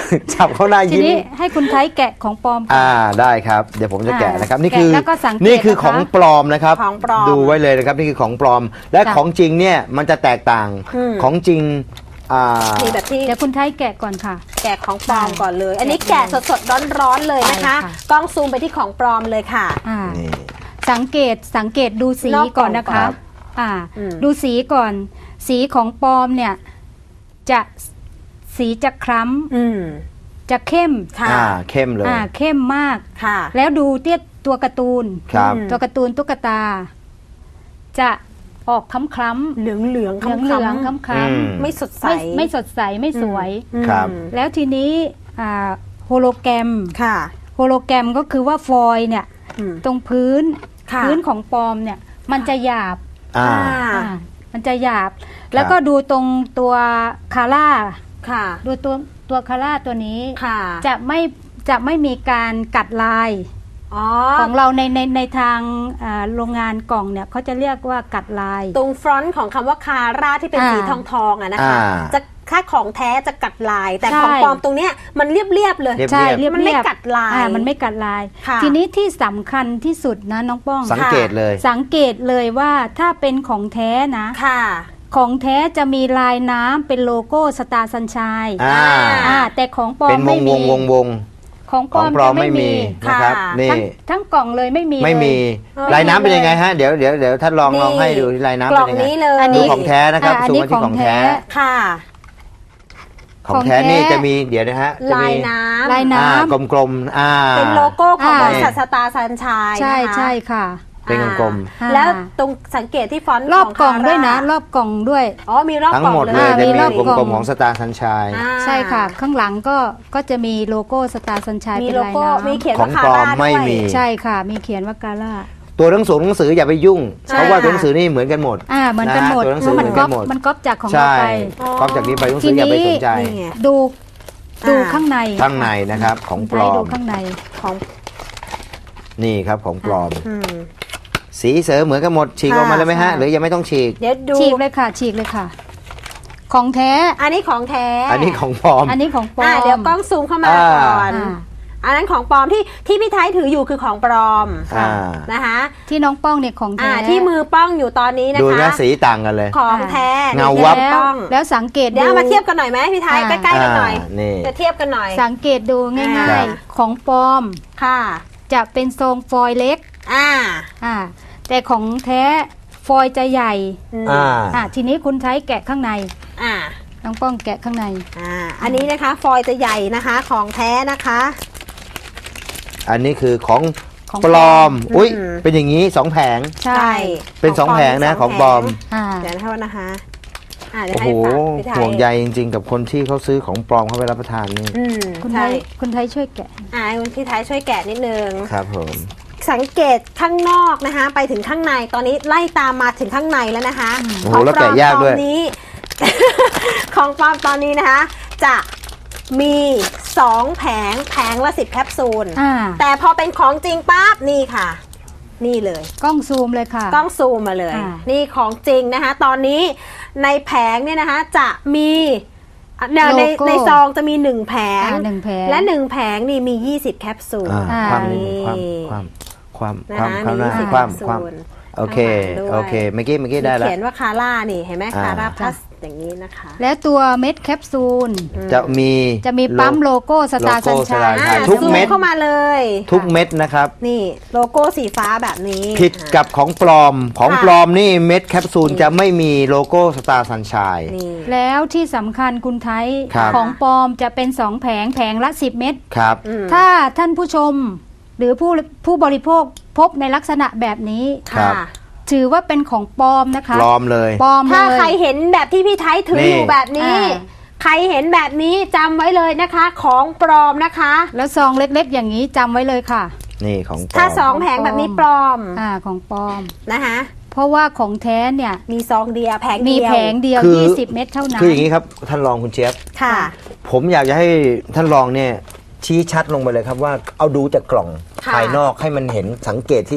Speaker 3: จับเขาหน้า
Speaker 2: ที
Speaker 3: ยิ้ม
Speaker 2: นี้ให้คุณไทยแกะของปลอมก่อน
Speaker 3: อ่าได้ครับเดี๋ยวผมจะแกะนะครับนี่
Speaker 2: แกะ
Speaker 3: คือ
Speaker 2: แล้วก็สังเกต
Speaker 3: นี่คือ
Speaker 2: นะคะ
Speaker 3: ของปลอมนะครับ
Speaker 1: ของปลอม
Speaker 3: ดูไว้เลยนะครับนี่คือของปลอม และ
Speaker 2: จ้ะ
Speaker 3: ของจริงเนี่ยมันจะแตกต่าง
Speaker 1: อืม
Speaker 3: ของจริงอ่า
Speaker 1: นี่แบบที่
Speaker 2: เดี๋ยวคุณไทยแกะก่อนค่ะ
Speaker 1: แกะของปลอมก่อนเลย อันนี้
Speaker 2: แกะ
Speaker 1: แกะสดๆร้อนๆเลยนะคะ
Speaker 2: ใช่ค่ะ
Speaker 1: กล้องซูมไปที่ของปลอมเลยค่ะ
Speaker 2: อ่า
Speaker 3: นี่
Speaker 2: สังเกตสังเกตดูสี
Speaker 1: นอกกล่อง
Speaker 2: ก่อนนะ
Speaker 1: ครั
Speaker 2: คะ
Speaker 1: บ
Speaker 2: อ่า
Speaker 1: อืม
Speaker 2: ดูสีก่อน สีของปลอมเนี่ยจะสีจะคล้
Speaker 1: อืม
Speaker 2: ำจะเข้ม
Speaker 1: ค่ะ
Speaker 3: อ่าเข้มเลย
Speaker 2: อ่าเข้มมาก
Speaker 1: ค่ะ
Speaker 2: แล้วดูเตี้ยตัวการ์ตูน
Speaker 3: ครับ
Speaker 1: อืม
Speaker 2: ตัวการ์ตูนตุ๊กตา จะออกคล้ำคล้ำ
Speaker 1: เหลืองเหลือง
Speaker 2: เหลืองเหลืองคล้ำคล้
Speaker 3: อืม
Speaker 2: ำ
Speaker 1: ไม่สดใส
Speaker 2: ไม่ไม่สดใสไม่สวย
Speaker 1: อืม
Speaker 3: ครับ
Speaker 2: แล้วทีนี้อ่าโฮโลแกรม
Speaker 1: ค่ะ
Speaker 2: โฮโลแกรมก็คือว่าฟอยล์เนี่ย
Speaker 1: อืม
Speaker 2: ตรงพื้น
Speaker 1: ค่ะ
Speaker 2: พื้นของปลอมเนี่ย มันจะหยาบ
Speaker 3: อ่า
Speaker 2: อ่ามันจะหยาบ แล้วก็ดูตรงตัวคาร่า
Speaker 1: ค่ะ
Speaker 2: ดูตัวตัวคาร่าตัวนี้
Speaker 1: ค่ะ
Speaker 2: จะไม่จะไม่มีการกัดลาย
Speaker 1: อ๋อ
Speaker 2: ของเราในในในทางอ่าโรงงานกล่องเนี่ยเขาจะเรียกว่ากัดลาย
Speaker 1: ตรงฟรอนต์ของคำว่าคาร่าที่เป็น
Speaker 2: อ่า
Speaker 1: สีทองทองๆอะนะคะ
Speaker 3: อ่า
Speaker 1: จะค่าของแท้จะกัดลาย แต่
Speaker 2: ใช่
Speaker 1: ของปลอมตรงเนี้ยมันเรียบๆเลย
Speaker 3: เรียบ
Speaker 2: ใช่เรียบ
Speaker 1: มันไม่
Speaker 2: เรียบ
Speaker 1: กัดลาย
Speaker 2: อ่มันไม่กัดลาย
Speaker 1: ค่ะ
Speaker 2: ทีนี้ที่สำคัญที่สุดนะน้องป้อง
Speaker 3: สังเกตเลย
Speaker 2: สังเกตเลยว่าถ้าเป็นของแท้นะ
Speaker 1: ค่ะ
Speaker 2: ของแท้จะมีลายน้ำเป็นโลโก้สตาร์สัญชัย
Speaker 3: อ่า
Speaker 2: อ่าแต่ของปลอ
Speaker 3: เป็
Speaker 2: ม
Speaker 3: นว
Speaker 2: ไม่
Speaker 3: งว
Speaker 2: มี
Speaker 3: งวงวง
Speaker 2: ของป
Speaker 3: ข
Speaker 2: ล
Speaker 3: อ
Speaker 2: อง ม
Speaker 3: ปลอม
Speaker 2: จะ
Speaker 3: ไม่มี
Speaker 1: ค่ะ
Speaker 3: นะครับนี่
Speaker 2: ทั้งทั้งกล่องเลยไม่มี
Speaker 3: ไม่มี
Speaker 2: เลย
Speaker 3: ลายน้ำเป็นยังไงฮะเดี๋ยวเดี๋ยวเดี๋ยวท่านลองลองให้ดูที่ลายน้ำ
Speaker 1: กล่
Speaker 3: เป็
Speaker 1: อง
Speaker 3: นยังไง
Speaker 1: นี้เลย
Speaker 2: อัน
Speaker 3: ดู
Speaker 2: นี้
Speaker 3: ของแท้นะครับ
Speaker 2: อ่าอัน
Speaker 3: ซูม
Speaker 2: นี้
Speaker 3: มาที่ของแท้
Speaker 2: ของแท้
Speaker 1: ค่ะ
Speaker 3: ของแท้
Speaker 2: ของแท้
Speaker 3: นี่จะมีเดี๋ยวนะฮะจะ
Speaker 1: ลาย
Speaker 3: มี
Speaker 1: น้ำ
Speaker 2: ลายน้
Speaker 3: อ่ากลมๆอ่า
Speaker 1: เป็นโลโก้ของ
Speaker 2: อ่า
Speaker 1: บริษัทสตาร์สัญชัย
Speaker 2: ำใช่
Speaker 1: นะคะ
Speaker 2: ใช่ค่ะ
Speaker 3: เป็นกลม
Speaker 2: อ่า
Speaker 1: แล้วตรงสังเกตที่ฟอนต์
Speaker 2: รอบ
Speaker 1: ข
Speaker 2: กล่องด้วยนะ
Speaker 1: คาร
Speaker 2: อบกล่องด้วย
Speaker 1: อ๋อมีรอบ
Speaker 3: ทั้ง
Speaker 1: กล่อง
Speaker 3: หมด
Speaker 1: เล
Speaker 3: เลย
Speaker 1: ย
Speaker 3: จะ
Speaker 2: มี
Speaker 3: มี
Speaker 2: รอบ
Speaker 3: ก
Speaker 2: กล่
Speaker 3: ล
Speaker 2: อง
Speaker 3: มๆของสตาร์สัญชัย
Speaker 1: อ่า
Speaker 2: ใช่ค่ะ ข้างหลังก็ก็จะมีโลโก้สตาร์สัญชัย
Speaker 1: มี
Speaker 2: เป็น
Speaker 1: โล
Speaker 2: ลาย
Speaker 1: โก้
Speaker 2: น้
Speaker 1: มีเขียน
Speaker 3: ขอ
Speaker 1: ว่าง คา
Speaker 3: ปลอ
Speaker 1: ร่าม
Speaker 3: ไม่
Speaker 1: ด้วย
Speaker 3: มี
Speaker 2: ำใช่ค่ะ มีเขียนว่ากาล่า
Speaker 3: ตัวหนังสือหนังสืออย่าไปยุ่ง
Speaker 1: ใช่
Speaker 3: เพราะว่าตัวหนังสือนี่เหมือนกันหมด
Speaker 2: อ่าเหมือนกันหมด
Speaker 3: ตัวหนัง
Speaker 2: เพ
Speaker 3: สือ
Speaker 2: ราะ
Speaker 3: เห
Speaker 2: มั
Speaker 3: มื
Speaker 2: น
Speaker 3: อน
Speaker 2: ก๊
Speaker 3: กั
Speaker 2: อน ป
Speaker 3: หมด
Speaker 2: มันก๊อปจากของเรา
Speaker 3: ใช่
Speaker 2: ไป
Speaker 3: ก๊อปจากนี้ไปหนังสืออย่าไปสนใจ
Speaker 1: นี่ไง
Speaker 2: ดูดู
Speaker 1: อ่า
Speaker 2: ข้างใน
Speaker 3: ข้างในนะครับของปล
Speaker 2: ใช้
Speaker 3: อ
Speaker 2: ดู
Speaker 3: ม
Speaker 2: ข้างใน
Speaker 1: ของ
Speaker 3: นี่ครับของปลอม
Speaker 1: อืม
Speaker 3: สีเสริมเหมือนกันหมดฉีกออกมาเลยไหมฮะ
Speaker 2: ใช่
Speaker 3: หรือยังไม่ต้องฉีก
Speaker 1: เดี๋ยวดู
Speaker 2: ฉีกเลยค่ะ ฉีกเลยค่ะ ของแท้
Speaker 1: อันนี้ของแท้
Speaker 3: อันนี้ของปลอม
Speaker 2: อันนี้ของปลอ
Speaker 1: อ่าม เดี๋ยวกล้องซูมเข้ามา
Speaker 3: อ่า
Speaker 1: ก่อน
Speaker 2: อ่า
Speaker 1: อันนั้นของปลอมที่ที่พี่ไทยถืออยู่คือของปลอม
Speaker 3: อ่า
Speaker 1: นะคะ
Speaker 2: ที่น้องป้องเนี่ยของแท้
Speaker 1: อ่าที่มือป้องอยู่ตอนนี้นะ
Speaker 3: ดู
Speaker 1: คะ
Speaker 3: นะสีต่างกันเลย
Speaker 1: ของแท้
Speaker 3: เงาวับ
Speaker 1: นี่
Speaker 2: แล้ว
Speaker 1: ป้อง
Speaker 2: แล้วสังเกต
Speaker 1: เดี๋ยว
Speaker 2: ดู
Speaker 1: เอามาเทียบกันหน่อยไหมพี่ไทย
Speaker 2: อ่า
Speaker 1: ใกล้ๆกันหน่อย
Speaker 3: อ่านี่
Speaker 1: จะเทียบกันหน่อย
Speaker 2: สังเกตดูง่า
Speaker 1: อ่า
Speaker 2: ยๆ ของปลอม
Speaker 1: ค่ะ
Speaker 2: จะเป็นทรงฟอยล์เล็ก
Speaker 1: อ่า
Speaker 2: อ่าแต่ของแท้ฟอยล์จะใหญ่
Speaker 1: อืม
Speaker 3: อ่า
Speaker 2: อ่าทีนี้คุณใช้แกะข้างใน
Speaker 1: อ่า
Speaker 2: น้องป้องแกะข้างใน
Speaker 1: อ่าอันนี้นะคะฟอยล์จะใหญ่นะคะของแท้นะคะ
Speaker 3: อันนี้คือของ
Speaker 2: ของ
Speaker 3: ปลอม อุ้ย
Speaker 1: อืม
Speaker 3: เป็นอย่างนี้สองแผง
Speaker 2: ใช่
Speaker 3: เป็นสองแผงนะของปลอม
Speaker 2: อ่า
Speaker 1: เดี๋ยวนะคะนะคะอ่าเดี๋ยว
Speaker 3: โอ้
Speaker 1: ให้
Speaker 3: โห
Speaker 1: ฝากพี่ไทย
Speaker 3: ห่วงใยจริงๆ กับคนที่เขาซื้อของปลอมเข้าไปรับประทานนี่
Speaker 1: อืม
Speaker 2: คุณไท
Speaker 1: ใช่
Speaker 2: ยคุณไทยช่วยแกะ
Speaker 1: อ่าคุณพี่ไทยช่วยแกะนิดนึง
Speaker 3: ครับผม
Speaker 1: สังเกตข้างนอกนะคะ ไปถึงข้างในตอนนี้ไล่ตามมาถึงข้างในแล้วนะคะ
Speaker 3: โอ้โหแล้วแกะยากด้วย
Speaker 1: ของปลอมตอนนี้ ของปลอมตอนนี้นะคะ จะมีสองแผงแผงละสิบแคปซูล
Speaker 2: อ่า
Speaker 1: แต่พอเป็นของจริงปั๊บนี่ค่ะ นี่เลย
Speaker 2: กล้องซูมเลยค่ะ
Speaker 1: กล้องซูมมาเลย
Speaker 2: อ่า
Speaker 1: นี่ของจริงนะคะ ตอนนี้ในแผงเนี่ยนะคะ จะมีในในในซองจะมีหนึ่งแผง
Speaker 2: อ่าหนึ่งแผง
Speaker 1: และหนึ่งแผงนี่มียี่สิบแคปซูล
Speaker 3: อ่า
Speaker 2: อ่า
Speaker 3: ความ
Speaker 1: นี่
Speaker 3: ความความความ
Speaker 1: นะ
Speaker 3: ความ
Speaker 1: คะ
Speaker 3: ความ
Speaker 1: มี
Speaker 3: ความ
Speaker 1: ยี่สิบ
Speaker 3: ความความ
Speaker 1: แคปซูล
Speaker 3: โอเค
Speaker 1: ข้างหลังด้วย
Speaker 3: โอเคเมื่อกี้เมื่อกี้ได้แล้ว
Speaker 1: เขียนว่าคาร่านี่เห็นไหม
Speaker 3: อ่า
Speaker 1: คาร่าพลัสอย่างนี้นะคะ
Speaker 2: และตัวเม็ดแคปซูล
Speaker 3: จะมี
Speaker 2: จะมีปั๊มโลโก้สตาร์
Speaker 3: โล
Speaker 2: สั
Speaker 3: โก้
Speaker 2: ญชัย
Speaker 3: สตาร์
Speaker 1: อ่า
Speaker 3: ทุก
Speaker 1: ซู
Speaker 3: เม็ด
Speaker 1: เข้ามาเลย
Speaker 3: ทุกเม็ดนะครับ
Speaker 1: นี่โลโก้สีฟ้าแบบนี้
Speaker 3: ผิดกับของปลอมของ
Speaker 1: ค่ะ
Speaker 3: ปลอมนี่เม็ดแคปซูลจะไม่มีโลโก้สตาร์สัญชัย
Speaker 1: นี่
Speaker 2: แล้วที่สำคัญคุณไทย
Speaker 3: ครับ
Speaker 2: ของปลอมจะเป็นสองแผงแผงละสิบเม็ด
Speaker 3: ครับ
Speaker 1: อืม
Speaker 2: ถ้าท่านผู้ชมหรือผู้ผู้บริโภคพบในลักษณะแบบนี้
Speaker 3: ครับ
Speaker 1: ค่ะ
Speaker 2: ถือว่าเป็นของปลอมนะคะ
Speaker 3: ปลอมเลย
Speaker 2: ปลอม
Speaker 1: ถ้า
Speaker 2: เลย
Speaker 1: ใครเห็นแบบที่พี่ไทยถือ
Speaker 3: นี่
Speaker 1: อยู่แบบนี้
Speaker 2: อ่า
Speaker 1: ใครเห็นแบบนี้จำไว้เลยนะคะ ของปลอมนะคะ
Speaker 2: แล้วซองเล็กๆ อย่างนี้จำไว้เลยค่ะ
Speaker 3: นี่ของปลอม
Speaker 1: ถ้าสองแผงแบบนี้ปลอม
Speaker 2: อ่าของปลอม
Speaker 1: นะคะ
Speaker 2: เพราะว่าของแท้เนี่ย
Speaker 1: มีซองเดียวแผง
Speaker 2: มี
Speaker 1: เดียว
Speaker 2: แผงเดียว
Speaker 3: คือ
Speaker 2: ยี่สิบเม็ดเท่านั้น
Speaker 3: คืออย่างนี้ครับท่านรองคุณเจี๊ยบ
Speaker 1: ค่ะ
Speaker 3: ผมอยากจะให้ท่านรองเนี่ยชี้ชัดลงไปเลยครับว่าเอาดูจากกล่อง
Speaker 1: ค่ะ
Speaker 3: ภายนอกให้มันเห็นสังเกตที่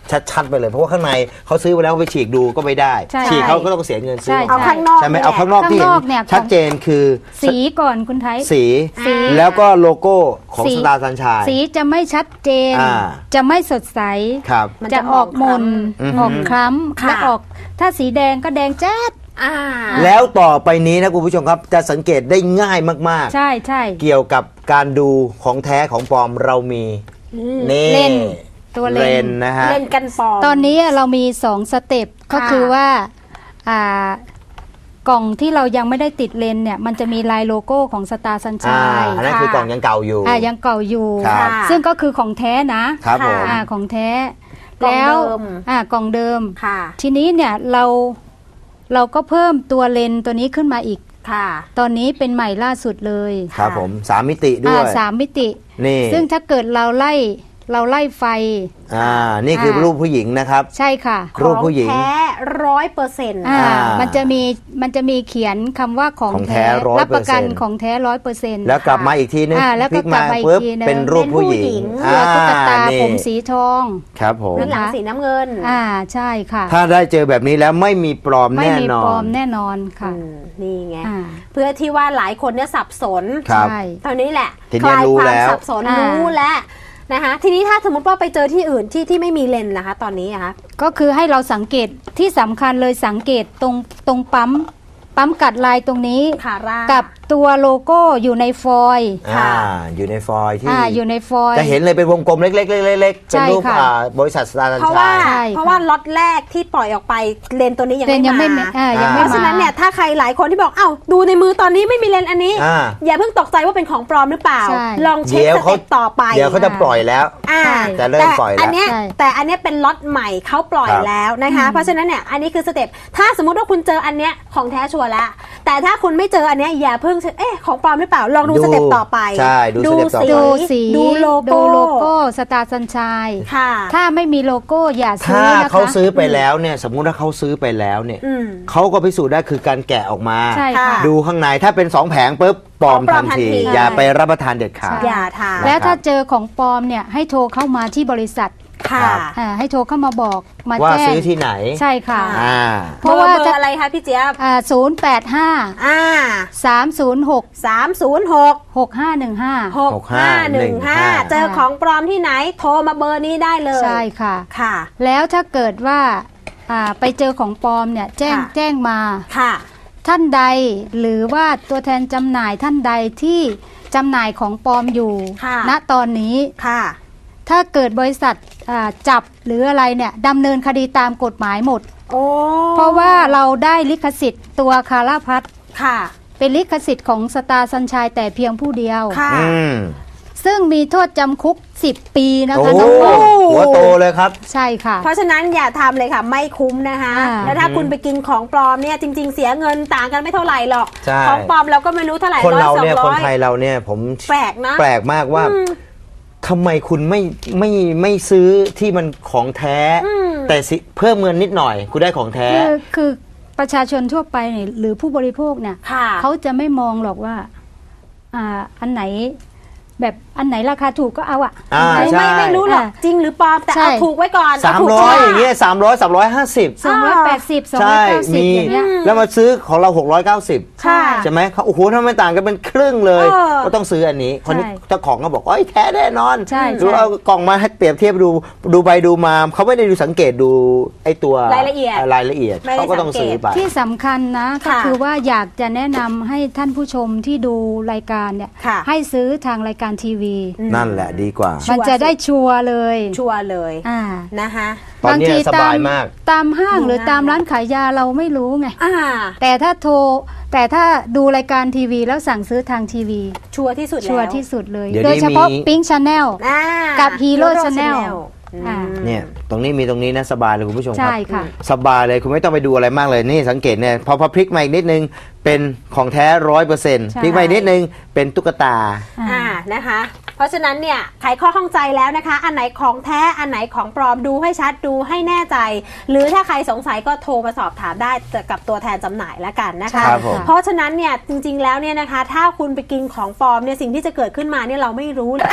Speaker 3: ชัดๆไปเลยเพราะว่าข้างในเขาซื้อไปแล้วไปฉีกดูก็ไม่ได้
Speaker 2: ใช่
Speaker 3: ฉีกเขาก็ต้องเสียเงินซื้อ
Speaker 2: ใช่
Speaker 1: เอาข้างนอก
Speaker 3: ใช่ไหม
Speaker 1: นี่แหละ
Speaker 3: เอาข้างนอกที่
Speaker 2: ข้างนอก
Speaker 3: เห็
Speaker 2: เนี่ย
Speaker 3: นชัดเจนคือ
Speaker 2: สีก่อนคุณไทย
Speaker 3: สี
Speaker 2: สี
Speaker 3: แล้วก็โลโก้ของ
Speaker 2: สี
Speaker 3: สตาร์สัญชัย
Speaker 2: สีจะไม่ชัดเจน
Speaker 3: อ่า
Speaker 2: จะไม่สดใส
Speaker 3: ครับ
Speaker 1: มัน
Speaker 2: จะ
Speaker 1: จะ
Speaker 2: ออกหมน
Speaker 3: อือฮึ
Speaker 2: ออกคล้ำ
Speaker 1: ค่ะ
Speaker 2: และออกถ้าสีแดงก็แดงแจ๊ด
Speaker 1: อ่า
Speaker 3: แล้วต่อไปนี้นะคุณผู้ชมครับจะสังเกตได้ง่ายมาก
Speaker 2: ใช่ใช่
Speaker 3: ๆ เกี่ยวกับการดูของแท้ของปลอมเรามีนี่
Speaker 2: เลนส์ตัวเลนส์
Speaker 3: ส์นะฮะ
Speaker 1: เล่นกันปลอม
Speaker 2: ตอนนี้เรามีสองสเต็ปก็คือว่าอ่ากล่องที่เรายังไม่ได้ติดเลนส์เนี่ยมันจะมีลายโลโก้ของสตาร์สัญ
Speaker 3: อ่า
Speaker 2: ชัย
Speaker 3: อันนั้นคือกล่องยังเก่าอยู่
Speaker 2: อ่ายังเก่าอยู่
Speaker 3: ครับ
Speaker 2: ซึ่งก็คือของแท้นะครับ
Speaker 3: ผม
Speaker 2: อ่าของแท้
Speaker 1: กล่อง
Speaker 2: แล้ว
Speaker 1: เดิม
Speaker 2: อ่ากล่องเดิม
Speaker 1: ค่ะ
Speaker 2: ทีนี้เนี่ยเราเราก็เพิ่มตัวเลนส์ตัวนี้ขึ้นมาอีก
Speaker 1: ค่ะ
Speaker 2: ตอนนี้เป็นใหม่ล่าสุดเลย
Speaker 3: ครับผมสามมิติด้
Speaker 2: อ่า
Speaker 3: วย
Speaker 2: สามมิติ
Speaker 3: นี่
Speaker 2: ซึ่งถ้าเกิดเราไล่เราไล่ไฟ
Speaker 3: อ่านี่คือรูปผู้หญิงนะครับ
Speaker 2: ใช่ค่ะ
Speaker 3: รูปผู้หญิง
Speaker 1: ของแท้ร้อยเปอร์เซ็นต์
Speaker 2: อ่า
Speaker 3: อ่ามั
Speaker 2: มันจะมีมันจะมีเขียนคำว่าของ
Speaker 3: ของแท้
Speaker 2: แท้
Speaker 3: ร้อยเปอร์เซ็นต์
Speaker 2: รับประกันของแท้ร้อยเปอร์เซ็นต์
Speaker 3: แล้วกลับมาอีกทีนึง
Speaker 2: อ่าแล้ว
Speaker 3: พ
Speaker 2: ก็
Speaker 3: ลิก
Speaker 2: กลั
Speaker 3: มา
Speaker 2: บมาอีก
Speaker 3: ปุ๊บ
Speaker 2: ทีนึง
Speaker 3: เป็นรูปผู้หญิง
Speaker 2: เสือตุ๊กตา
Speaker 3: นี่
Speaker 2: ผมสีทอง
Speaker 3: ครับผม
Speaker 1: ด้านหลังสีน้ำเงิน
Speaker 2: อ่าใช่ค่ะ
Speaker 3: ถ้าได้เจอแบบนี้แล้วไม่มีปลอม
Speaker 2: ไม่
Speaker 3: แน่
Speaker 2: มี
Speaker 3: นอ
Speaker 2: ปลอน มแน่นอนค่ะ
Speaker 1: อืมนี่ไง
Speaker 2: อ่า
Speaker 1: เพื่อที่ว่าหลายคนเนี่ยสับสน
Speaker 3: ครับ
Speaker 2: ใช่
Speaker 1: ตอนนี้แหละ
Speaker 3: ทีนี้
Speaker 1: คลาย
Speaker 3: รู้
Speaker 1: ความ
Speaker 3: แล้ว
Speaker 1: สับสน
Speaker 2: อ่า
Speaker 1: รู้แล้วนะคะ ทีนี้ถ้าสมมติว่าไปเจอที่อื่นที่ที่ไม่มีเลนส์นะคะ ตอนนี้นะคะ
Speaker 2: ก็คือให้เราสังเกตที่สำคัญเลยสังเกตตรงตรงปั๊มปั๊มกัดลายตรงนี้
Speaker 1: คาร่า
Speaker 2: กับตัวโลโก้อยู่ในฟอยล์
Speaker 3: อ่าอยู่ในฟอยล์ที่
Speaker 2: อ่าอยู่ในฟอยล์
Speaker 3: จะเห็นเลยเป็นวงกลมเล็กๆๆๆๆเป็น
Speaker 2: ใช่
Speaker 3: รูป
Speaker 2: ค่ะ
Speaker 3: อ่าบริษัทสตาร์สัญ
Speaker 1: เพราะ
Speaker 3: ชั
Speaker 1: ว่าย
Speaker 2: ใช่
Speaker 1: เพราะว่าล็อตแรกที่ปล่อยออกไปเลนส์ตัวนี้ยัง
Speaker 2: เลน
Speaker 1: ไม่
Speaker 2: ยังไม่
Speaker 1: มา
Speaker 2: อ่ายัง
Speaker 1: เพ
Speaker 2: ไม่
Speaker 1: ราะฉะนั้นเนี่ย
Speaker 2: มา
Speaker 1: ถ้าใครหลายคนที่บอกเอ้าดูในมือตอนนี้ไม่มีเลนส์อันนี้
Speaker 3: อ่า
Speaker 1: อย่าเพิ่งตกใจว่าเป็นของปลอมหรือเปล่า
Speaker 2: ใช่
Speaker 1: ลองเช็ค
Speaker 3: เดี๋ยว
Speaker 1: ส
Speaker 3: เขา
Speaker 1: เต็ปต่อไป
Speaker 3: เดี๋ยวเขาจะปล่อยแล้ว
Speaker 1: อ่า
Speaker 2: ใช่
Speaker 3: จะเริ่มปล่อยแล้ว
Speaker 1: แต่อันเนี้ย
Speaker 2: ใช่
Speaker 1: แต่อันเนี้ยเป็นล็อตใหม่เขาปล่อย
Speaker 3: ครับ
Speaker 1: แล้วนะคะ เพราะฉะนั้นเนี่ยอันนี้คือสเต็ปถ้าสมมติว่าคุณเจออันเนี้ยของแท้ชัวร์แล้วแต่ถ้าคุณไม่เจออันเนี้ยอย่าเพิ่งเอ๊ะของปลอมหรือเปล่าลองดู
Speaker 3: ดู
Speaker 1: สเต็ปต่อไป
Speaker 3: ใช่ดูสเต็ปต่อไป
Speaker 2: ดูสี
Speaker 1: ดูโลโก้
Speaker 2: ดูโลโก้สตาร์สัญชัย
Speaker 1: ค่ะ
Speaker 2: ถ้าไม่มีโลโก้อย่าซื้
Speaker 3: ถ้า
Speaker 2: อนะคะ
Speaker 3: เขาซื้อไปแล้วเนี่ยสมมุติว่าเขาซื้อไปแล้วเนี่ย
Speaker 1: อืม
Speaker 3: เขาก็พิสูจน์ได้คือการแกะออกมา
Speaker 2: ใช่ค่ะ
Speaker 3: ดูข้างในถ้าเป็นสองแผงปุ๊บปลอม
Speaker 1: ปลอ
Speaker 3: ทั
Speaker 1: ม
Speaker 3: น
Speaker 1: ทัน
Speaker 3: ที
Speaker 1: ที
Speaker 3: อย่าไปรับประทานเด็ดขาด
Speaker 1: อย่าทาน
Speaker 2: แล้วถ้าเจอของปลอมเนี่ยให้โทรเข้ามาที่บริษัท
Speaker 1: ค่ะ
Speaker 3: ครับ
Speaker 2: อ่าให้โทรเข้ามาบอกมา
Speaker 3: ว่า
Speaker 2: แจ้ง
Speaker 3: ซื้อที่ไหน
Speaker 2: ใช่ค่ะ
Speaker 3: อ่า
Speaker 1: เพราะว่าจะอะไรคะพี่เจี๊ยบ
Speaker 2: อ่าศูนย์แปดห้า
Speaker 1: อ่า
Speaker 2: สามศูนย์หก
Speaker 1: สามศูนย์หก
Speaker 2: หกห้าหนึ่งห้า
Speaker 1: หกห้าหนึ่งห้าเจอของปลอมที่ไหนโทรมาเบอร์นี้ได้เลย
Speaker 2: ใช่ค่ะ
Speaker 1: ค่ะ
Speaker 2: แล้วถ้าเกิดว่าอ่าไปเจอของปลอมเนี่ยแจ้ง
Speaker 1: ค่ะ
Speaker 2: แจ้งมา
Speaker 1: ค่ะ
Speaker 2: ท่านใดหรือว่าตัวแทนจำหน่ายท่านใดที่จำหน่ายของปลอมอยู่
Speaker 1: ค่ะ
Speaker 2: ณตอนนี้
Speaker 1: ค่ะ
Speaker 2: ถ้าเกิดบริษัทอ่าจับหรืออะไรเนี่ยดำเนินคดีตามกฎหมายหมด
Speaker 1: โอ้
Speaker 2: เพราะว่าเราได้ลิขสิทธิ์ตัวคาราพัท
Speaker 1: ค่ะ
Speaker 2: เป็นลิขสิทธิ์ของสตาร์สัญชัยแต่เพียงผู้เดียว
Speaker 1: ค่ะ
Speaker 3: อืม
Speaker 2: ซึ่งมีโทษจำคุกสิบปีนะ
Speaker 3: โอ้
Speaker 2: คะน้องปอม
Speaker 3: หัวโตเลยครับ
Speaker 2: ใช่ค่ะ
Speaker 1: เพราะฉะนั้นอย่าทำเลยค่ะ ไม่คุ้มนะคะ
Speaker 2: อ่า
Speaker 1: แล้วถ้าคุณไปกินของปลอมเนี่ยจริง ๆ เสียเงินต่างกันไม่เท่าไหร่หรอก
Speaker 3: ใช่
Speaker 1: ของปลอมเราก็ไม่รู้เท่าไหร่
Speaker 3: คน
Speaker 1: ร้อย
Speaker 3: เรา
Speaker 1: สอง
Speaker 3: เนี่ย
Speaker 1: ร้
Speaker 3: คน
Speaker 1: อย
Speaker 3: ไทยเราเนี่ยผม
Speaker 1: แปลกนะ
Speaker 3: แปลกมากว่าทำไมคุณไม่ไม่ไม่ซื้อที่มันของแท้ แต่สิเพิ่มเงินนิดหน่อย คุณได้ของแท้
Speaker 2: คือคือประชาชนทั่วไปเนี่ยหรือผู้บริโภคเนี่ย
Speaker 1: ค่ะ
Speaker 2: เขาจะไม่มองหรอกว่าอ่าอันไหนแบบอันไหนราคาถูกก็เอาอะ
Speaker 3: อ่า
Speaker 2: อันไหน
Speaker 3: ใช่
Speaker 1: ไม่ไม่รู้หรอกจริงหรือปลอมแต่
Speaker 2: ใช่
Speaker 1: เอาถูกไว้ก่อน
Speaker 3: สาม
Speaker 1: เถูก
Speaker 3: ร้อย
Speaker 1: ไว้
Speaker 3: อย่างเงี้ยสามร้อยสามร้อยห้าสิบ
Speaker 2: สองร้อยแปดสิบสองร้อ
Speaker 3: ใช่
Speaker 2: ยเก้าสิบ
Speaker 3: มี
Speaker 2: อย่างเงี้ย
Speaker 3: แล้วมาซื้อของเราหกร้อยเก้าสิบ
Speaker 1: ค่ะ
Speaker 3: ใช่ไหมเขาโอ้โหทำไมต่างกันเป็นครึ่งเลย
Speaker 1: เออ
Speaker 3: ก็ต้องซื้ออันนี้คนนี้
Speaker 2: ใช่
Speaker 3: เจ้าของก็บอกโอ้ยแท้แน่นอน
Speaker 2: ใช่
Speaker 3: ดู
Speaker 2: ใช่
Speaker 3: เอากล่องมาให้เปรียบเทียบดูดูไปดูมาเขาไม่ได้ดูสังเกตดูไอ้ตัว
Speaker 1: รายละเอียด
Speaker 3: รายละเอียด
Speaker 1: ไม่ได้
Speaker 3: เขาก็ต้องซื้อไป
Speaker 2: ที่สำคัญนะก็
Speaker 1: ค่ะ
Speaker 2: คือว่าอยากจะแนะนำให้ท่านผู้ชมที่ดูรายการเนี่ย
Speaker 1: ค่ะ
Speaker 2: ให้ซื้อทางรายการทีวี
Speaker 3: นั่นแหละดีกว่า
Speaker 1: ชัวร์
Speaker 2: มันจะได้ชัวร์เลย
Speaker 1: ชัวร์เลย
Speaker 2: อ่า
Speaker 1: นะคะ
Speaker 3: ตอนเนี้ยสบายมาก
Speaker 2: ตามห้างหรือ
Speaker 1: ดูง่าย
Speaker 2: ตามร้านขายยาเราไม่รู้ไง
Speaker 1: อ่า
Speaker 2: แต่ถ้าโทรแต่ถ้าดูรายการทีวีแล้วสั่งซื้อทางทีวี
Speaker 1: ชัวร์ที่สุดแล้ว
Speaker 2: ชัวร์ที่สุดเลย
Speaker 3: เดี๋ยว
Speaker 2: โดย
Speaker 3: นี้
Speaker 2: เฉพาะ
Speaker 3: มี
Speaker 2: Pink Channel
Speaker 1: อ่า
Speaker 2: กับ Hero
Speaker 1: Hero
Speaker 2: Channel
Speaker 1: Channel
Speaker 2: อ่า
Speaker 3: เนี่ยตรงนี้มีตรงนี้นะสบายเลยคุณผู้ชมครั
Speaker 2: ใช่ค่ะ
Speaker 3: สบายเลยคุณไม่ต้องไปดูอะไรมากเลยนี่สังเกตเนี่ยพอพอพลิกมาอีกนิดนึงเป็นของแท้ร้อยเปอร์เซ็นต์
Speaker 2: ใช่
Speaker 3: พลิกมาอีกนิดนึงเป็นตุ๊กตา
Speaker 1: อ่านะคะ เพราะฉะนั้นเนี่ยไขข้อข้องใจแล้วนะคะ อันไหนของแท้อันไหนของปลอมดูให้ชัดดูให้แน่ใจ หรือถ้าใครสงสัยก็โทรมาสอบถามได้กับตัวแทนจำหน่ายแล้วกันนะคะ
Speaker 3: ครับผม
Speaker 1: เพราะฉะนั้นเนี่ยจริงๆแล้วเนี่ยนะคะ ถ้าคุณไปกินของปลอมเนี่ยสิ่งที่จะเกิดขึ้นมาเนี่ยเราไม่รู้อ่ะเอา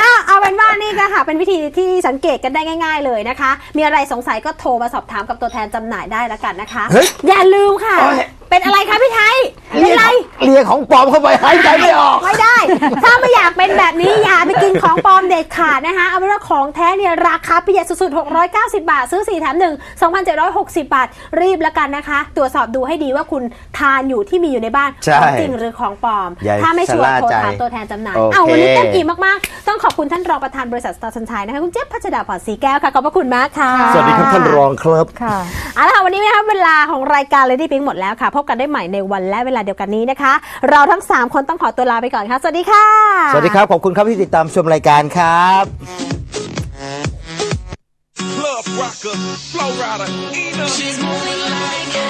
Speaker 1: เป็นว่านี่ก็ค่ะเป็นวิธีที่สังเกตกันได้ง่าย ๆเลยนะคะ มีอะไรสงสัยก็โทรมาสอบถามกับตัวแทนจำหน่ายได้แล้วกันนะคะ
Speaker 3: เฮ้ย
Speaker 1: อย่าลืมค่ะ
Speaker 3: โอ้ย
Speaker 1: เป็นอะไรคะพี่ไทยเป็นไร
Speaker 3: เลียของปลอมเข้าไปหายใจไม่ออก
Speaker 1: ไม่ได้ ถ้าไม่อยากเป็นแบบนี้อย่าไปกินของปลอมเด็ดขาดนะคะเอาเป็นว่าของแท้เนี่ยราคาประหยัดสุดๆหกร้อยเก้าสิบบาทซื้อสี่แถมหนึ่ง สองพันเจ็ดร้อยหกสิบ บาทรีบแล้วกันนะคะ ตรวจสอบดูให้ดีว่าคุณทานอยู่ที่มีอยู่ในบ้าน
Speaker 3: ใช่
Speaker 1: ของจริงหรือของปลอม
Speaker 3: อย่า
Speaker 1: ถ้าไม่ชัวร์
Speaker 3: ชะล่า
Speaker 1: โทร
Speaker 3: ใจ
Speaker 1: ถามตัวแทนจำหน่าย
Speaker 3: โอเค
Speaker 1: เอาวันนี้เต็มอิ่มมากๆต้องขอบคุณท่านรองประธานบริษัทสตาร์สัญชัยนะคะคุณเจี๊ยบพัชดาพรศรีแก้วค่ะขอบพระคุณมากค่ะ
Speaker 3: สวัสดีครับท่านรองครับ
Speaker 2: ค่ะ
Speaker 1: เอาละค่ะวันนี้นะคะเวลาของรายการ Lady Pink หมดแล้วค่ะ พบกันได้ใหม่ในวันและเวลาเดียวกันนี้นะคะ เราทั้ง สาม คนต้องขอตัวลาไปก่อนค่ะ สวัสดีค่ะ
Speaker 3: สวัสดีครับ ขอบคุณครับที่ติดตามชมรายการครับ
Speaker 8: Club rocker, flow rider, Ena.
Speaker 4: She's moving like